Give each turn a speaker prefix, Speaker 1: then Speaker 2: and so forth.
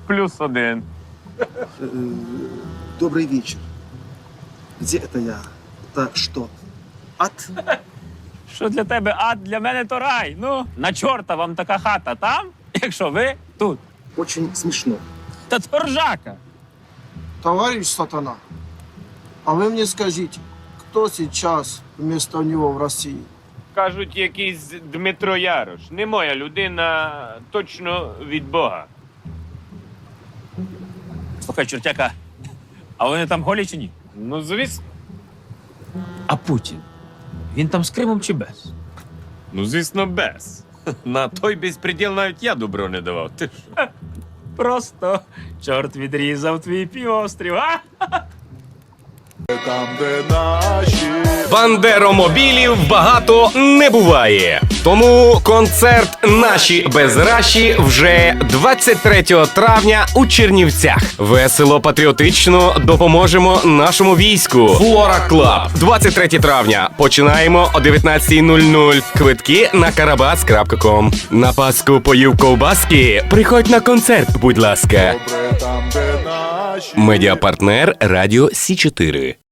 Speaker 1: +1.
Speaker 2: Добрый вечер. Где это я? Это что? Ад?
Speaker 1: Що для тебе ад, для мене то рай. Ну, на чорта вам така хата там, якщо ви тут.
Speaker 2: Очень смешно.
Speaker 1: Та це ржака.
Speaker 3: Товарищ Сатана, а вы мне скажите, кто сейчас вместо него в России?
Speaker 1: Кажуть, якийсь Дмитро Ярош. Не моя людина, точно від Бога. Слухай, чортяка, а вони там голі чи ні? Ну, звісно. А Путін? Він там з Кримом чи без?
Speaker 4: Ну, звісно, без. На той безпреділ навіть я добро не давав. Ти що?
Speaker 1: Просто чорт відрізав твій півострів, а?
Speaker 5: Бандеромобілів багато не буває. Тому концерт «Наші без раші» вже 23 травня у Чернівцях. Весело, патріотично допоможемо нашому війську. Флора Клаб. 23 травня. Починаємо о 19:00. Квитки на karabas.com. На Пасху поїв ковбаски? Приходь на концерт, будь ласка. Медіапартнер Радіо Сі 4.